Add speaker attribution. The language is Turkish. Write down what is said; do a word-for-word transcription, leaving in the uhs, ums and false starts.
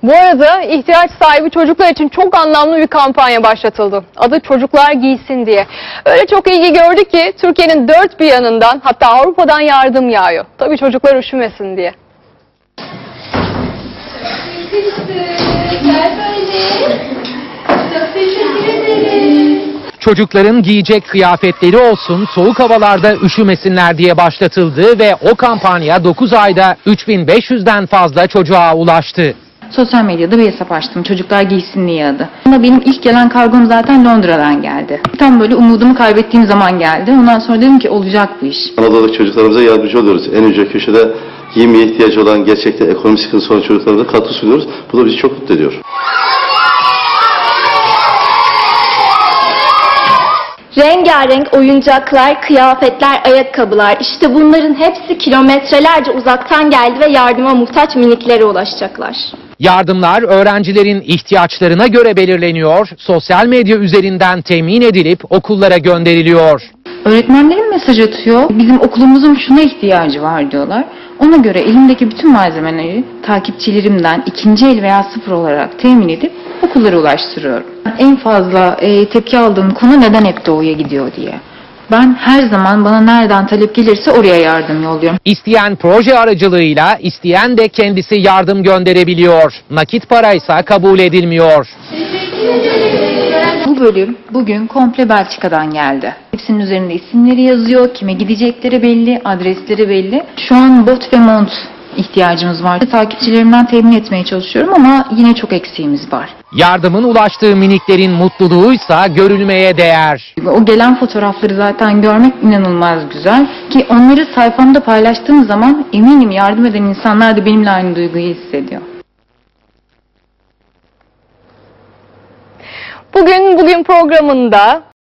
Speaker 1: Bu arada ihtiyaç sahibi çocuklar için çok anlamlı bir kampanya başlatıldı. Adı Çocuklar Giysin diye. Öyle çok ilgi gördü ki Türkiye'nin dört bir yanından, hatta Avrupa'dan yardım yağıyor. Tabii çocuklar üşümesin diye.
Speaker 2: Gel böyle. Çok teşekkür ederim.
Speaker 3: Çocukların giyecek kıyafetleri olsun, soğuk havalarda üşümesinler diye başlatıldı ve o kampanya dokuz ayda üç bin beş yüzden fazla çocuğa ulaştı.
Speaker 4: Sosyal medyada bir hesap açtım. Çocuklar Giysin diye adı. Ama benim ilk gelen kargom zaten Londra'dan geldi. Tam böyle umudumu kaybettiğim zaman geldi. Ondan sonra dedim ki olacak bu iş.
Speaker 5: Anadolu'daki çocuklarımıza yardımcı oluyoruz. En ücra köşede giyimeye ihtiyacı olan, gerçekten ekonomik sıkıntısı olan çocuklarımıza katkı sunuyoruz. Bu da bizi çok mutlu ediyor.
Speaker 2: Rengarenk oyuncaklar, kıyafetler, ayakkabılar, işte bunların hepsi kilometrelerce uzaktan geldi ve yardıma muhtaç miniklere ulaşacaklar.
Speaker 3: Yardımlar öğrencilerin ihtiyaçlarına göre belirleniyor, sosyal medya üzerinden temin edilip okullara gönderiliyor.
Speaker 4: Öğretmenlerim mesaj atıyor. Bizim okulumuzun şuna ihtiyacı var diyorlar. Ona göre elimdeki bütün malzemeleri takipçilerimden ikinci el veya sıfır olarak temin edip okullara ulaştırıyorum. En fazla e, tepki aldığım konu neden hep doğuya gidiyor diye. Ben her zaman bana nereden talep gelirse oraya yardım yolluyorum.
Speaker 3: İsteyen proje aracılığıyla, isteyen de kendisi yardım gönderebiliyor. Nakit paraysa kabul edilmiyor.
Speaker 4: Bu bölüm bugün komple Belçika'dan geldi. Hepsinin üzerinde isimleri yazıyor, kime gidecekleri belli, adresleri belli. Şu an bot ve mont ihtiyacımız var. Takipçilerimden temin etmeye çalışıyorum ama yine çok eksiğimiz var.
Speaker 3: Yardımın ulaştığı miniklerin mutluluğuysa görülmeye değer.
Speaker 4: O gelen fotoğrafları zaten görmek inanılmaz güzel. Ki onları sayfamda paylaştığım zaman eminim yardım eden insanlar da benimle aynı duyguyu hissediyor.
Speaker 1: Bugün bugün programında